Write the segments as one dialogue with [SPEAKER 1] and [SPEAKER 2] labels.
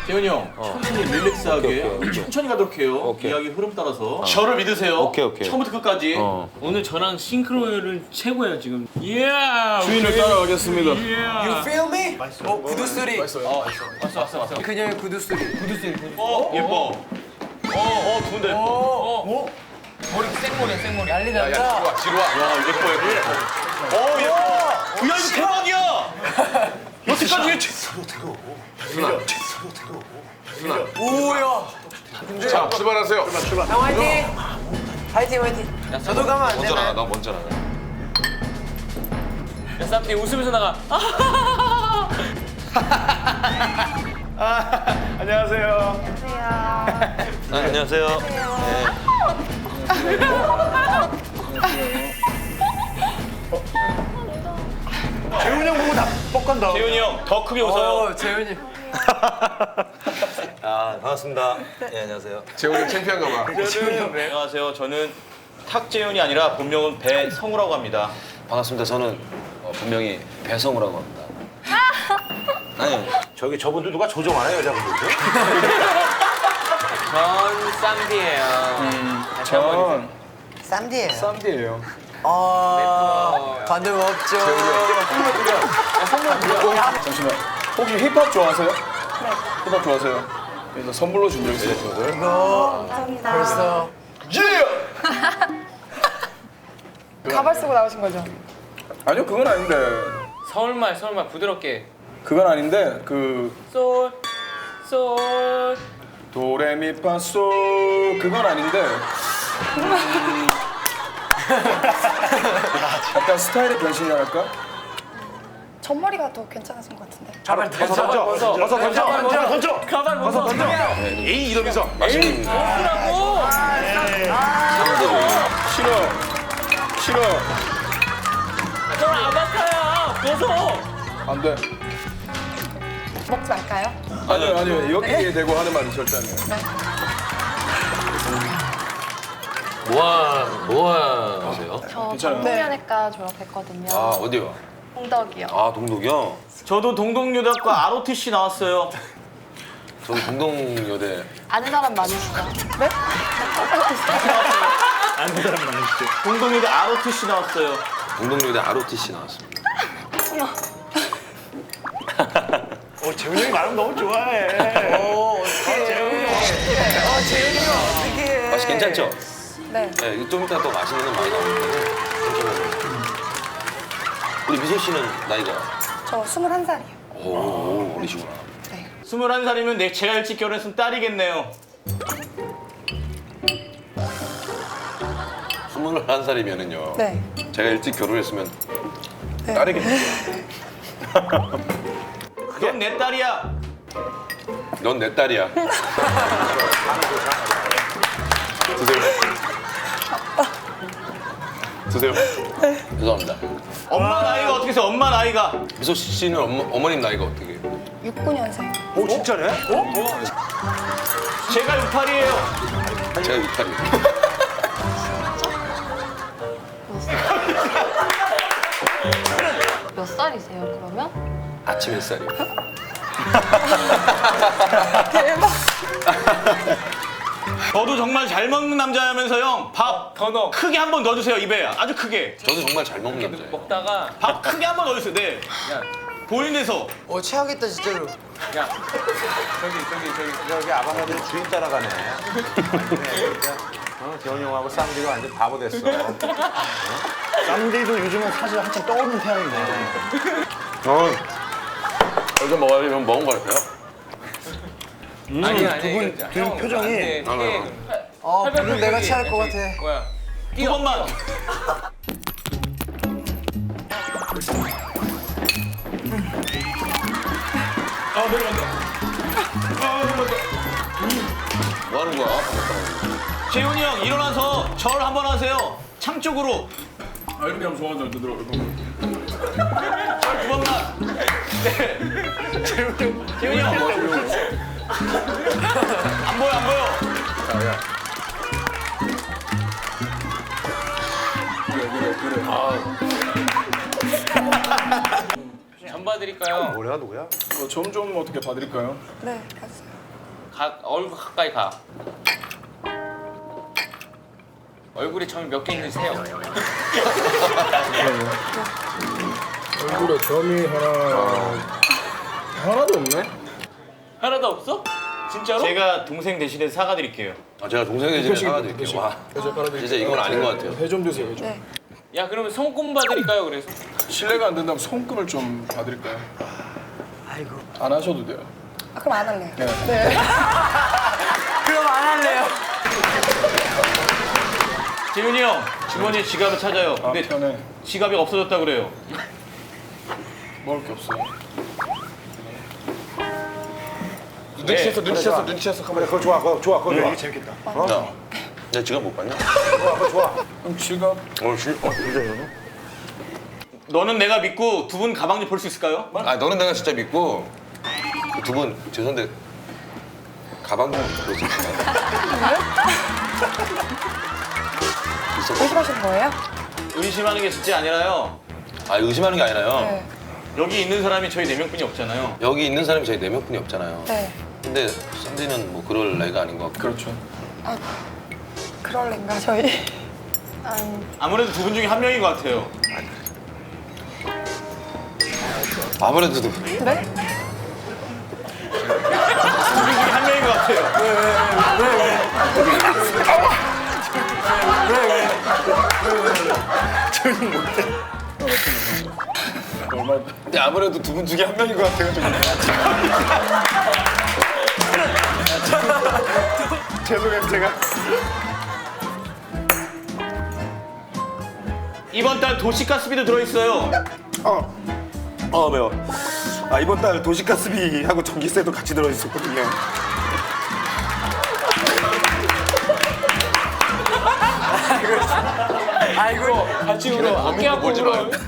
[SPEAKER 1] 재훈이 형, 천천히 릴렉스하게
[SPEAKER 2] 오케이.
[SPEAKER 1] 천천히 가도록 해요.
[SPEAKER 2] 오케이.
[SPEAKER 1] 이야기 흐름 따라서. 저를 믿으세요.
[SPEAKER 2] 오케이.
[SPEAKER 1] 처음부터 끝까지.
[SPEAKER 3] 오늘 저랑 싱크로율은 최고예요 지금. Yeah.
[SPEAKER 1] 주인을 따라가겠습니다.
[SPEAKER 4] You feel me? 구두 소리.
[SPEAKER 1] 왔어.
[SPEAKER 4] 그녀의 구두 소리.
[SPEAKER 1] 예뻐. 좋은데.
[SPEAKER 3] 머리 생머리야.
[SPEAKER 4] 난리 난다.
[SPEAKER 1] 지루와. 야, 예뻐. 예뻐. 야, 이거 대박이야. 여태까지 왜
[SPEAKER 4] 오야.
[SPEAKER 2] 자, 출발하세요.
[SPEAKER 4] 형 화이팅. 화이팅. 저도 가면 안
[SPEAKER 2] 먼저 나가,
[SPEAKER 4] 되나요?
[SPEAKER 2] 나 먼저 나가.
[SPEAKER 3] 야 쌈띠 웃으면서 나가.
[SPEAKER 1] 안녕하세요.
[SPEAKER 2] 안녕하세요.
[SPEAKER 1] 재훈이 형 보고 다 뻑간다. 재훈이 형, 더 크게 웃어요.
[SPEAKER 4] 재훈이.
[SPEAKER 2] 아, 반갑습니다. 네, 안녕하세요. 재훈이 창피한가 봐.
[SPEAKER 1] 안녕하세요. 저는 탁재훈이 아니라 본명은 배성우라고 합니다.
[SPEAKER 2] 반갑습니다. 저는 분명히 배성우라고 합니다. 아니,
[SPEAKER 5] 저분들 누가 조정 안 해요, 여자분들?
[SPEAKER 3] 전 쌈띠예요.
[SPEAKER 1] 전
[SPEAKER 4] 쌈디예요.
[SPEAKER 1] 쌈디예요.
[SPEAKER 4] 반응 없죠.
[SPEAKER 1] 잠시만. 혹시 힙합 좋아하세요? 네. 힙합 좋아하세요? 그래서 선물로 준비했어요.
[SPEAKER 4] 이거 벌써.
[SPEAKER 6] 가발 쓰고 나오신 거죠?
[SPEAKER 7] 아니요, 그건 아닌데.
[SPEAKER 3] 서울말 부드럽게.
[SPEAKER 7] 그건 아닌데
[SPEAKER 3] 솔.
[SPEAKER 7] 도레미파솔 그건 아닌데. 약간 스타일의 변신이랄까?
[SPEAKER 6] 전머리가 더 괜찮으신 것 같은데.
[SPEAKER 4] 가발 던져.
[SPEAKER 3] 가발 벗어.
[SPEAKER 2] 에이 이러면서 맛있는
[SPEAKER 3] 벗으라고.
[SPEAKER 7] 싫어.
[SPEAKER 3] 저 아바타야. 벗어.
[SPEAKER 7] 안 돼.
[SPEAKER 6] 먹지 말까요?
[SPEAKER 7] 아니요. 여기에 대고 하는 말이 절대 아니에요.
[SPEAKER 2] 뭐 하세요?
[SPEAKER 6] 저
[SPEAKER 7] 괜찮아요.
[SPEAKER 6] 정보면외과 졸업했거든요.
[SPEAKER 2] 아, 어디요?
[SPEAKER 6] 홍덕이요.
[SPEAKER 2] 아, 동독이요?
[SPEAKER 1] 저도 동덕여대학과 ROTC 나왔어요.
[SPEAKER 2] 저도 동동여대.
[SPEAKER 6] 아는 사람 많으시죠? 네?
[SPEAKER 1] 동덕여대 ROTC 나왔어요.
[SPEAKER 2] 동동여대 ROTC 나왔습니다.
[SPEAKER 5] 재훈이 형이 말하면 너무 좋아해.
[SPEAKER 4] 재훈이 형 어떻게?
[SPEAKER 2] 맛이 괜찮죠?
[SPEAKER 6] 네.
[SPEAKER 2] 네, 좀 이따 또 맛있는 건 많이 나오니까 잠시만요. 우리 미소 씨는 나이가?
[SPEAKER 6] 저 21살이요.
[SPEAKER 2] 오, 어리시구나.
[SPEAKER 6] 네.
[SPEAKER 1] 21살이면 제가 일찍 결혼했으면 딸이겠네요.
[SPEAKER 2] 21살이면은요.
[SPEAKER 6] 네.
[SPEAKER 2] 제가 일찍 결혼했으면
[SPEAKER 6] 네.
[SPEAKER 2] 딸이겠네요.
[SPEAKER 1] 넌 내 딸이야.
[SPEAKER 2] 넌 내 딸이야. 드세요. 죄송합니다.
[SPEAKER 1] 엄마 나이가 어떻게 돼서 엄마 나이가?
[SPEAKER 2] 미소 씨는 어머님 나이가 어떻게 해요?
[SPEAKER 6] 69년생.
[SPEAKER 5] 오, 진짜네?
[SPEAKER 1] 제가 68이에요.
[SPEAKER 2] 제가 68이에요.
[SPEAKER 6] 몇 살이세요, 그러면?
[SPEAKER 2] 아침 햇살이요.
[SPEAKER 6] 대박.
[SPEAKER 1] 저도 정말 잘 먹는 남자라면서요. 밥
[SPEAKER 3] 더 넣어.
[SPEAKER 1] 크게 한 번 넣어주세요. 입에 아주 크게.
[SPEAKER 2] 저는 정말 잘 먹는 남자예요.
[SPEAKER 3] 먹다가
[SPEAKER 1] 밥 크게 한 번 넣어주세요. 네.
[SPEAKER 3] 야,
[SPEAKER 1] 보이는 데서.
[SPEAKER 4] 최악이다 진짜로.
[SPEAKER 3] 야.
[SPEAKER 5] 여기 아방아들 주인 따라가네. 재훈이 형하고 쌈디가 완전 바보 됐어. 쌈디도 요즘은 사실 한참 떠오르는 태양인데.
[SPEAKER 2] 여기서 먹으면 먹은 거 같아요?
[SPEAKER 3] 아니.
[SPEAKER 5] 두 표정이.
[SPEAKER 4] 물은 내가 취할 것 같아.
[SPEAKER 3] 뭐야?
[SPEAKER 1] 두 번만.
[SPEAKER 2] 뭐 하는 거야?
[SPEAKER 1] 재훈이 형 일어나서 절 한번 하세요. 창 쪽으로.
[SPEAKER 7] 아, 이렇게 하면 좋아하잖아, 들어.
[SPEAKER 1] 절 두 번만. 네. 재훈이 형. 안 보여.
[SPEAKER 3] 전 봐드릴까요?
[SPEAKER 5] 뭐야, 누구야?
[SPEAKER 7] 점 좀 어떻게 봐드릴까요?
[SPEAKER 6] 네, 봤어요.
[SPEAKER 3] 얼굴 가까이 가. 얼굴에 점이 몇 개 있는지 세요.
[SPEAKER 7] 얼굴에 점이 하나도 없네.
[SPEAKER 3] 하나도 없어? 진짜로?
[SPEAKER 1] 제가 동생 대신에 사과드릴게요.
[SPEAKER 2] 아, 제가 동생의 집에 사과드릴게요. 와, 진짜 이건 아닌 것 같아요.
[SPEAKER 7] 회 좀 드세요. 회 좀.
[SPEAKER 6] 네.
[SPEAKER 3] 야 그러면 손금 봐드릴까요? 그래서
[SPEAKER 7] 실례가 안 된다면 손금을 좀 봐드릴까요? 아이고. 안 하셔도 돼요.
[SPEAKER 6] 아, 그럼 안 할래요.
[SPEAKER 7] 네.
[SPEAKER 6] 네.
[SPEAKER 4] 그럼 안 할래요.
[SPEAKER 1] 재윤이 형 주머니에 지갑을 찾아요.
[SPEAKER 7] 아,
[SPEAKER 1] 근데
[SPEAKER 7] 편해.
[SPEAKER 1] 지갑이 없어졌다 그래요.
[SPEAKER 7] 먹을 게 없어요.
[SPEAKER 5] 눈치챘어. 그래, 그거 좋아. 그거 좋아. 이게 재밌겠다.
[SPEAKER 2] 야, 내 지갑 못 봤냐?
[SPEAKER 5] 그거 좋아.
[SPEAKER 7] 그럼 지갑
[SPEAKER 1] 너는 내가 믿고 두 분 가방 좀 볼 수 있을까요?
[SPEAKER 2] 아, 너는 내가 진짜 믿고 두 분 죄송한데 가방 좀 보여주세요.
[SPEAKER 6] 의심하신 거예요?
[SPEAKER 1] 의심하는 게 진짜 아니라요.
[SPEAKER 2] 아, 의심하는 게 아니라요.
[SPEAKER 6] 네.
[SPEAKER 1] 여기 있는 사람이 저희 4명뿐이 없잖아요.
[SPEAKER 2] 여기 있는 사람이 저희 4명뿐이 없잖아요.
[SPEAKER 6] 네.
[SPEAKER 2] 근데 샌디는 뭐 그럴 애가 아닌 것 같고.
[SPEAKER 7] 그렇죠.
[SPEAKER 6] 그럴랜가 저희.
[SPEAKER 1] 아무래도 두 분 중에 한 명인 것 같아요.
[SPEAKER 2] 아무래도
[SPEAKER 6] 네?
[SPEAKER 1] 두 분 중에 한 명인 것 같아요.
[SPEAKER 2] 근데 아무래도 두 분 중에 한 명인 것 같아요. 좀.
[SPEAKER 5] 죄송해요, 제가.
[SPEAKER 1] 이번 달 도시가스비도 들어있어요.
[SPEAKER 5] 매워. 아, 이번 달 도시가스비하고 전기세도 같이 들어있었거든요.
[SPEAKER 4] 아이고.
[SPEAKER 3] 같이 울어. 어깨 아프고
[SPEAKER 2] 보지
[SPEAKER 3] 울어.
[SPEAKER 2] 마요.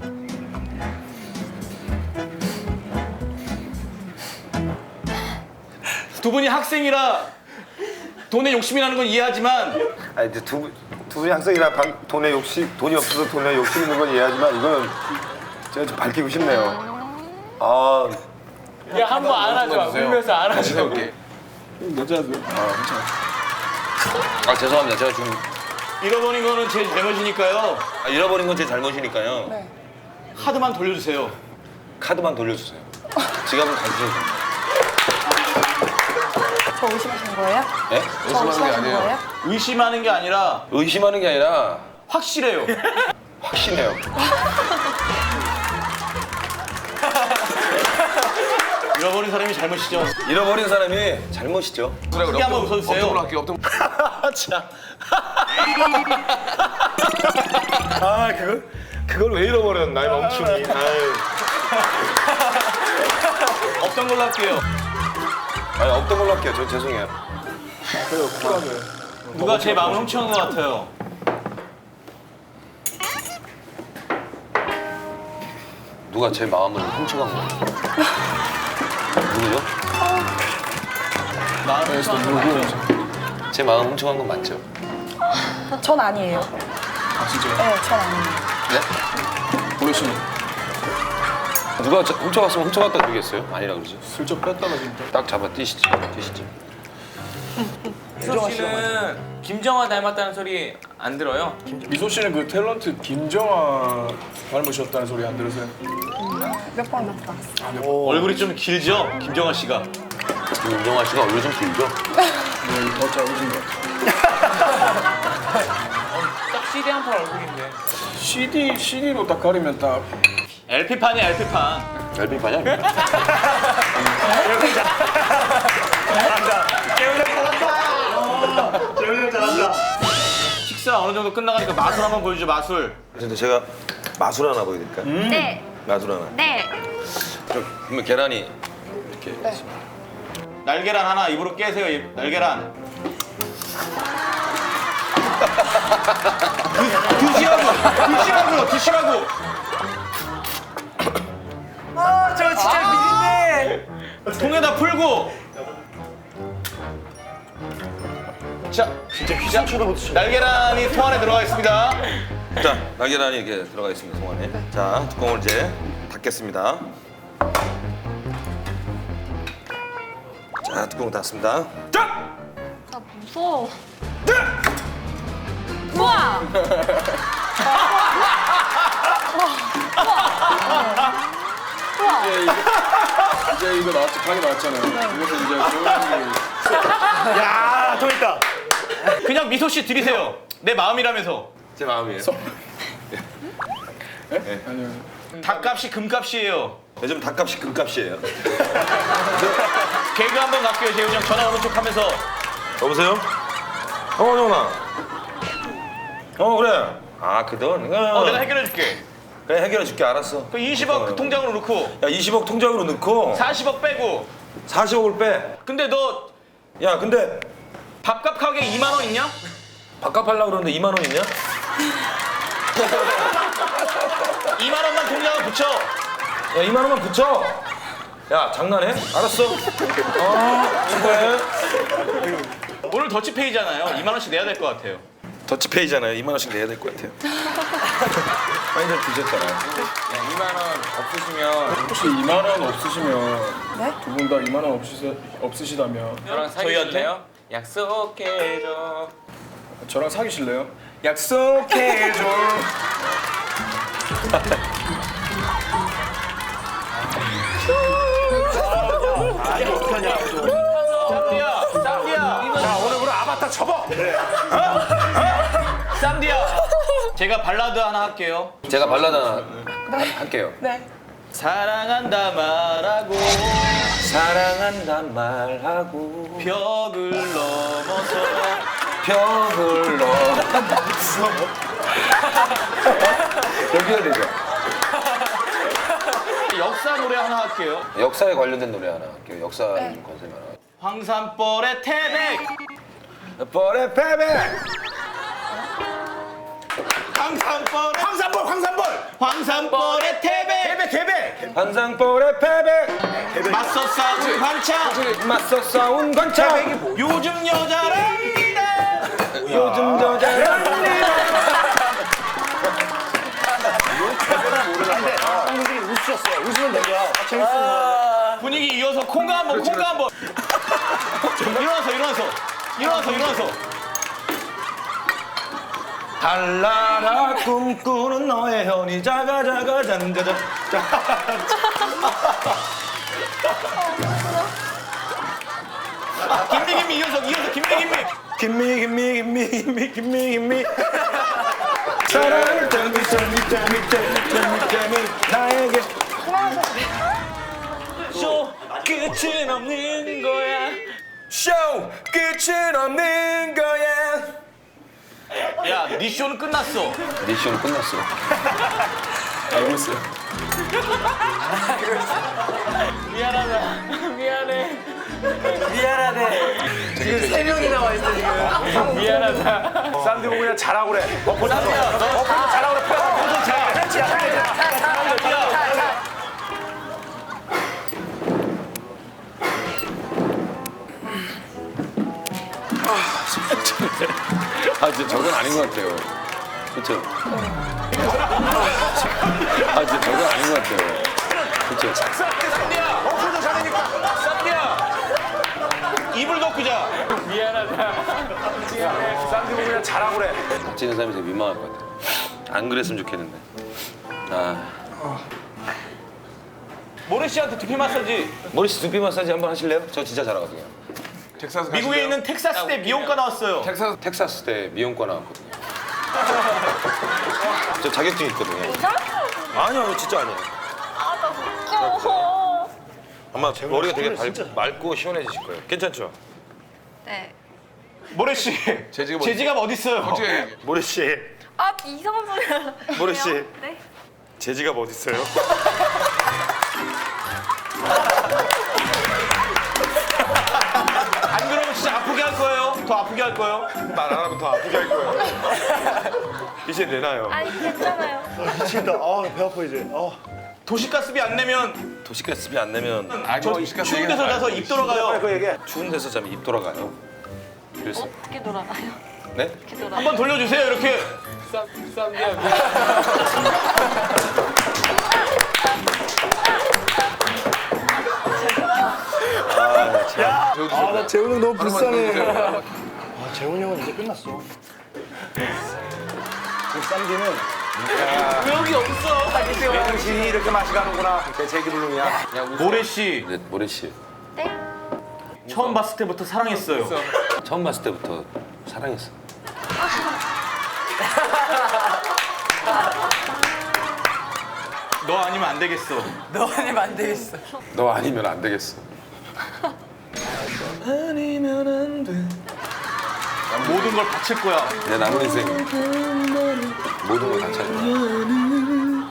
[SPEAKER 1] 두 분이 학생이라 돈에 욕심이 나는 건 이해하지만
[SPEAKER 5] 아, 이제 두 분이 학생이라 돈이 없어서 돈에 욕심 있는 건 이해하지만 이거는 제가 좀 밝히고 싶네요. 아,
[SPEAKER 3] 야 한 번 안아줘. 울면서 안아줘.
[SPEAKER 2] 오케이.
[SPEAKER 7] 여자들.
[SPEAKER 2] 아, 죄송합니다. 제가 지금
[SPEAKER 1] 잃어버린 거는 제 잘못이니까요.
[SPEAKER 2] 잃어버린 건 제 잘못이니까요.
[SPEAKER 6] 네.
[SPEAKER 1] 카드만 돌려주세요.
[SPEAKER 2] 카드만 돌려주세요. 지갑은 가지셔도 됩니다.
[SPEAKER 6] 저 의심하신 거예요?
[SPEAKER 2] 예?
[SPEAKER 6] 저 의심하신 거예요?
[SPEAKER 1] 의심하는 게 아니라
[SPEAKER 2] 의심하는 게 아니라
[SPEAKER 1] 확실해요.
[SPEAKER 2] 확신해요.
[SPEAKER 1] 잃어버린 사람이 잘못이죠.
[SPEAKER 2] 잃어버린 사람이 잘못이죠.
[SPEAKER 1] 크게 한번 웃어주세요.
[SPEAKER 5] 아, 그걸 왜 잃어버렸나, 이 멍충이. 아유.
[SPEAKER 1] 없던 걸로 할게요.
[SPEAKER 2] 아니, 없던 걸로 할게요. 저 죄송해요.
[SPEAKER 1] 누가 제 마음을 훔쳐간 것 같아요.
[SPEAKER 2] 누가 제 마음을 훔쳐간 거예요? 누구죠?
[SPEAKER 1] 마음을 훔쳐간 건 맞죠?
[SPEAKER 2] 제 마음 훔쳐간 건 맞죠?
[SPEAKER 6] 전 아니에요.
[SPEAKER 7] 아 진짜요?
[SPEAKER 6] 네, 전 아니에요.
[SPEAKER 2] 네?
[SPEAKER 7] 모르시네.
[SPEAKER 2] 누가 훔쳐갔으면 훔쳐갔다 그러겠어요? 아니라 그러지.
[SPEAKER 7] 슬쩍 뺐다가 지금.
[SPEAKER 2] 딱 잡아 뛰시지.
[SPEAKER 3] 미소 씨는 김정아 닮았다는 소리 안 들어요?
[SPEAKER 7] 미소 씨는 그 탤런트 김정아 닮으셨다는 소리 안 들으세요?
[SPEAKER 6] 몇 번 들어봤어요.
[SPEAKER 1] 얼굴이 좀 길죠? 김정아 씨가.
[SPEAKER 2] 윤정아 씨가 얼굴 좀 길죠?
[SPEAKER 7] 네, 더 작으신 것 같아요.
[SPEAKER 3] 딱 CD 한 판 얼굴인데.
[SPEAKER 7] CD로 딱 가리면 딱
[SPEAKER 1] LP판이야, LP판.
[SPEAKER 2] LP판이야?
[SPEAKER 1] 식사 어느 정도 끝나가니까 마술 한번 보여주죠, 마술.
[SPEAKER 2] 근데 제가 마술 하나 보여드릴까요?
[SPEAKER 6] 네.
[SPEAKER 2] 마술 하나.
[SPEAKER 6] 네.
[SPEAKER 2] 그러면 계란이 이렇게
[SPEAKER 6] 네.
[SPEAKER 1] 날계란 하나 입으로 깨세요, 날계란. 드시라고.
[SPEAKER 4] 아, 저 진짜 미린데.
[SPEAKER 1] 통에다 풀고. 자, 날계란이 통 안에 들어가 있습니다.
[SPEAKER 2] 자, 날계란이 이렇게 들어가 있습니다, 동안에. 자, 뚜껑을 이제 닫겠습니다. 자,
[SPEAKER 5] 자, 뚜껑 닫습니다. 자!
[SPEAKER 6] 나 무서워. 우와!
[SPEAKER 7] 이제 이거 나왔지, 방이 나왔잖아요. 그래서 이제 조용히.
[SPEAKER 1] 야, 또 있다. 그냥 미소 씨 드리세요. 내 마음이라면서.
[SPEAKER 2] 제 마음이에요.
[SPEAKER 7] 아니요.
[SPEAKER 1] 닭값이 금값이에요.
[SPEAKER 5] 요즘 닭값이 금값이에요.
[SPEAKER 1] 개그 한번 갈게요, 재훈이 형. 전화 오는 척 하면서.
[SPEAKER 5] 여보세요? 정훈아. 그래. 아, 그 돈?
[SPEAKER 1] 내가 해결해줄게.
[SPEAKER 5] 그래, 해결해줄게. 알았어.
[SPEAKER 1] 그 20억 그 통장으로 넣고
[SPEAKER 5] 야, 20억 통장으로 넣고
[SPEAKER 1] 40억 빼고.
[SPEAKER 5] 40억을 빼.
[SPEAKER 1] 근데 너
[SPEAKER 5] 야, 근데
[SPEAKER 1] 밥값 가게 2만 원 있냐?
[SPEAKER 5] 밥값 하려고 그러는데 2만 원 있냐?
[SPEAKER 1] 2만 원만 통장에 붙여.
[SPEAKER 5] 야, 2만 원만 붙여. 야, 장난해? 알았어. 축하해.
[SPEAKER 1] 오늘 더치페이잖아요. 2만 원씩 내야 될 것 같아요.
[SPEAKER 5] 더치페이잖아요. 2만 원씩 내야 될 것 같아요. 많이들 드셨잖아요.
[SPEAKER 2] 2만 원 없으시면
[SPEAKER 7] 혹시 2만 원 없으시면
[SPEAKER 6] 네?
[SPEAKER 7] 두 분 다 2만 원 없으시다면
[SPEAKER 2] 저랑 사귀실래요? 약속해줘.
[SPEAKER 7] 저랑 사귀실래요? 약속해줘.
[SPEAKER 1] 쌈디야.
[SPEAKER 5] 자, 오늘부로 아바타 접어.
[SPEAKER 1] 쌈디야. 제가 발라드 하나 할게요.
[SPEAKER 2] 제가 발라드 하나 할게요.
[SPEAKER 6] 네.
[SPEAKER 1] 사랑한다 말하고
[SPEAKER 5] 사랑한단 말하고
[SPEAKER 1] 벽을 넘어서
[SPEAKER 5] 벽을 넘어서 여기가 되죠.
[SPEAKER 1] 역사 노래 하나 할게요.
[SPEAKER 2] 역사에 관련된 노래 하나 할게요. 역사 컨셉 하나.
[SPEAKER 1] 황산벌의 태백.
[SPEAKER 5] 벌의 패배.
[SPEAKER 1] 황산벌의 태백.
[SPEAKER 5] 한상벌의 패배.
[SPEAKER 1] 맞서 싸운 관창.
[SPEAKER 5] 맞서 싸운 관창.
[SPEAKER 1] 요즘 여자랍니다.
[SPEAKER 5] 요즘 여자랍니다.
[SPEAKER 1] 분위기 이어서 콩가 한번. 일어나서.
[SPEAKER 5] 달라라 꿈꾸는 너의 현이 자가 잔자자.
[SPEAKER 1] 김미 이어서
[SPEAKER 5] 김미. 사랑을 땀이 나에게.
[SPEAKER 1] 쇼 끝은 없는 거야.
[SPEAKER 5] 쇼 끝은 없는 거야.
[SPEAKER 1] 야, 네 쇼는 끝났어.
[SPEAKER 2] 미션 끝났어.
[SPEAKER 7] 알고 있어요.
[SPEAKER 1] 미안해.
[SPEAKER 4] 지금 3명이나 와 있어 지금.
[SPEAKER 5] 쌈디 보고 그냥 자라고 그래.
[SPEAKER 2] 아, 진짜 저건 아닌 것 같아요. 그쵸? 아, 진짜 저건 아닌 것 같아요. 그쵸?
[SPEAKER 1] 쌈디야. 입을 덮고 자.
[SPEAKER 5] 쌈디 보고 그냥 자라고 그래.
[SPEAKER 2] 같이 있는 사람이 되게 민망할 것 같아요. 안 그랬으면 좋겠는데.
[SPEAKER 1] 모래 씨한테 두피 마사지.
[SPEAKER 2] 머리씨 두피 마사지 한번 하실래요? 저 진짜 잘하거든요.
[SPEAKER 7] 텍사스
[SPEAKER 1] 미국에 있는 텍사스대 미용과 나왔어요.
[SPEAKER 2] 텍사스 때 미용과 나왔거든요. 저 자격증 있거든요.
[SPEAKER 5] 아니요, 진짜 아니에요.
[SPEAKER 6] 나 무서워.
[SPEAKER 5] 아마 머리가 되게 맑고 시원해지실 거예요. 괜찮죠?
[SPEAKER 6] 네.
[SPEAKER 1] 모래 씨. 재지갑 어디 있어요?
[SPEAKER 5] 모래 씨,
[SPEAKER 6] 아, 이상한 소리야.
[SPEAKER 5] 모래 씨,
[SPEAKER 6] 네.
[SPEAKER 5] 제 지갑 어디 있어요?
[SPEAKER 1] 안 그러면 진짜 아프게 할 거예요. 더 아프게 할 거예요.
[SPEAKER 5] 말 안 하면 더 아프게 할 거예요. 이제 내놔요.
[SPEAKER 6] 아니, 괜찮아요.
[SPEAKER 1] 도시가스비 안 내면
[SPEAKER 5] 도시가스비 안 내면
[SPEAKER 1] 저 추운 데서 자서 입 돌아가요.
[SPEAKER 5] 추운 데서 자면 입 돌아가요.
[SPEAKER 2] 그래서
[SPEAKER 6] 어떻게 돌아가요?
[SPEAKER 2] 네?
[SPEAKER 6] 어떻게 돌아가요?
[SPEAKER 1] 한번 돌려주세요. 이렇게.
[SPEAKER 7] 나 재훈 형 너무 불쌍해.
[SPEAKER 3] 재훈이 형은 이제 끝났어.
[SPEAKER 5] 당신이 이렇게 맛이 가는구나. 내 제기불능이야.
[SPEAKER 1] 모래 씨
[SPEAKER 2] 네, 모래 씨.
[SPEAKER 6] 네?
[SPEAKER 1] 처음 봤을 때부터 사랑했어요.
[SPEAKER 2] 처음 봤을 때부터 사랑했어.
[SPEAKER 1] 너 아니면 안 되겠어.
[SPEAKER 4] 너 아니면 안 되겠어.
[SPEAKER 2] 너 아니면 안 되겠어.
[SPEAKER 1] 모든 걸 바칠 거야.
[SPEAKER 2] 내 남은 인생 모든 걸 다 찾을 거야.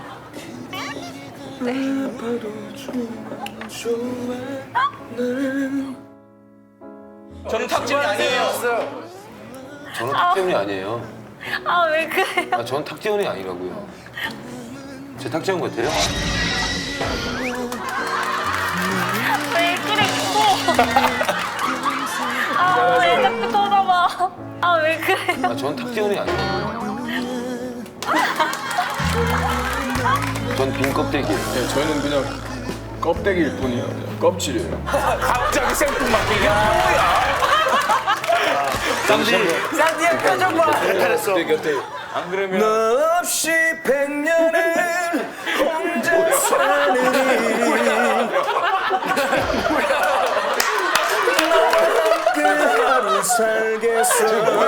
[SPEAKER 1] 저는 탁진이 아니에요.
[SPEAKER 2] 저는 탁재훈이 아니에요.
[SPEAKER 6] 아, 왜 그래요?
[SPEAKER 2] 아, 저는 탁재훈이 아니라고요. 제 탁재훈 같아요?
[SPEAKER 6] 왜 그래, 또? 아, 왜 자꾸 돌아봐? 아, 왜 그래?
[SPEAKER 2] 아, 저는 탁재훈이 아니에요. 전 빈 껍데기예요.
[SPEAKER 7] 네, 저희는 그냥 껍데기일 뿐이에요. 그냥 껍질이에요.
[SPEAKER 5] 갑자기 생뚱맞게.
[SPEAKER 1] 쌈지
[SPEAKER 4] 쌍디의 표정 봐.
[SPEAKER 1] 안 그러면
[SPEAKER 7] 너 없이 100년을 혼자 사는 그 하루 살겠어.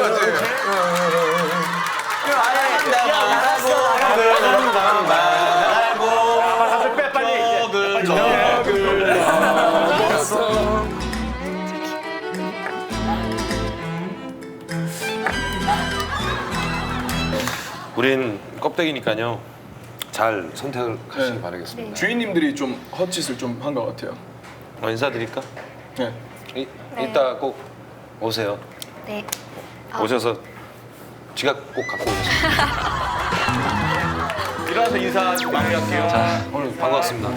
[SPEAKER 1] 빼 빨리.
[SPEAKER 2] 우린 껍데기니까요. 잘 선택을 하시기 바라겠습니다.
[SPEAKER 7] 주인님들이 좀 헛짓을 좀 한 것 같아요.
[SPEAKER 2] 인사드릴까?
[SPEAKER 7] 네.
[SPEAKER 2] 이따 꼭 오세요.
[SPEAKER 6] 네.
[SPEAKER 2] 오셔서 지갑 꼭 갖고 오세요.
[SPEAKER 1] 일어나서 인사 마무리할게요.
[SPEAKER 2] 자, 오늘 반갑습니다.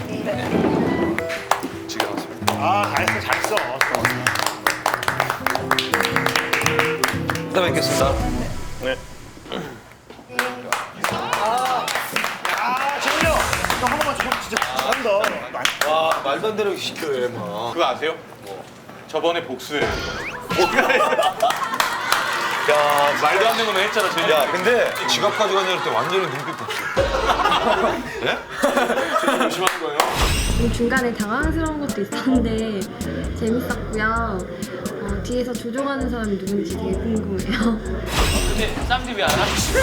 [SPEAKER 2] 지갑 왔습니다.
[SPEAKER 3] 아, 잘했어.
[SPEAKER 2] 이따 뵙겠습니다.
[SPEAKER 3] 네. 재훈이 형! 너 한 번만 좀 진짜 잘한다.
[SPEAKER 2] 와, 말도 안 되는 거 시켜요, 막.
[SPEAKER 1] 그거 아세요? 저번에 복수해. 야 말도 안 되는 거 했잖아 저희.
[SPEAKER 2] 야, 근데 지갑 가져가냐 할 때 완전히 눈빛 복수.
[SPEAKER 1] 조심하는 거예요.
[SPEAKER 8] 중간에 당황스러운 것도 있었는데 재밌었고요. 뒤에서 조종하는 사람이 누군지 되게 궁금해요.
[SPEAKER 3] 근데 쌈지 왜 안 하시죠?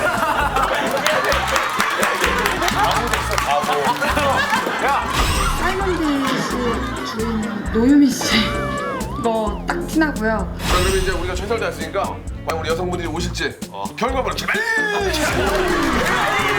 [SPEAKER 8] 사이먼드 씨 주인 노유미 씨 이거 딱 티나고요.
[SPEAKER 9] 자, 그러면 이제 우리가 최선을 다했으니까 과연 우리 여성분들이 오실지 결과물을 기다려.